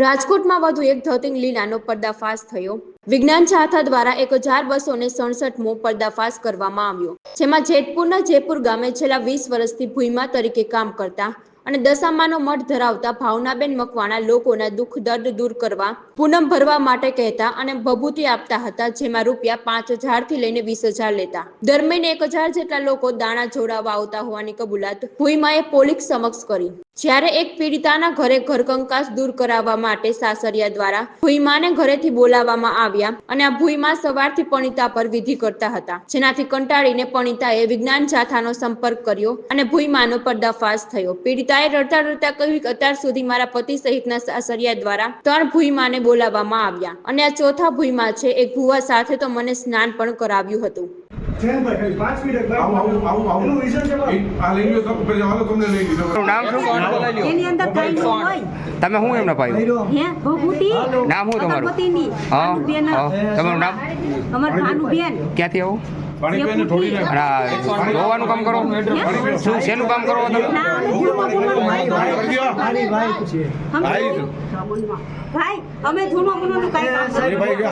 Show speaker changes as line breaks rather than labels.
રાજકોટમાં વધુ એક ધોતિંગ લીલાનો પર્દાફાશ થયો। વિજ્ઞાન શાખા દ્વારા 1267મો પર્દાફાશ કરવામાં આવ્યો, જેમાં જેતપુરના જયપુર ગામે છેલ્લા 20 વર્ષથી ભૂઈમા તરીકે કામ કરતા અને દશામાનો મઠ ધરાવતા ભાવનાબેન મકવાણા લોકોના દુઃખ દર્દ દૂર કરવા, પૂનમ ભરવા માટે કહેતા અને ભભૂતિ આપતા હતા, જેમાં રૂપિયા 5000 થી લઈને 20000 લેતા। દર મહિને 1000 જેટલા લોકો દાણા જોડાવા આવતા હોવાની કબૂલાત ભૂઈમાએ પોલીસ સમક્ષ કરી। જ્યારે એક પીડિતાના ઘરે ઘરકંકાસ દૂર કરાવવા માટે સાસરિયા દ્વારા ભૂઈમાને ઘરેથી બોલાવવામાં આવ્યા અને આ ભૂઈમા સવારથી પણિતા પર વિધિ કરતા હતા, જેનાથી કંટાળીને પણિતાએ વિજ્ઞાન શાખાનો સંપર્ક કર્યો અને ભૂઈમાનો પર્દાફાશ થયો। પીડિતાએ રડતા રડતા કહ્યું કે અત્યાર સુધી મારા પતિ સહિતના સાસરિયા દ્વારા 3 ભૂઈમાને બોલાવવામાં આવ્યા અને આ ચોથા ભૂઈમા છે। એક ભુવા સાથે તો મને સ્નાન પણ કરાવ્યું હતું।
તમે હું એમના ભાઈ
હે ભભૂતિ
નામ હું તમારું
પતિની ભાનુબેન
તમારું નામ
અમાર ભાનુબેન
ક્યાંથી આવો જોવાનું કામ કરો શું શેનું કામ કરો તમે
ભાઈ અમે ધૂનો ગુનો નું કાઈ કામ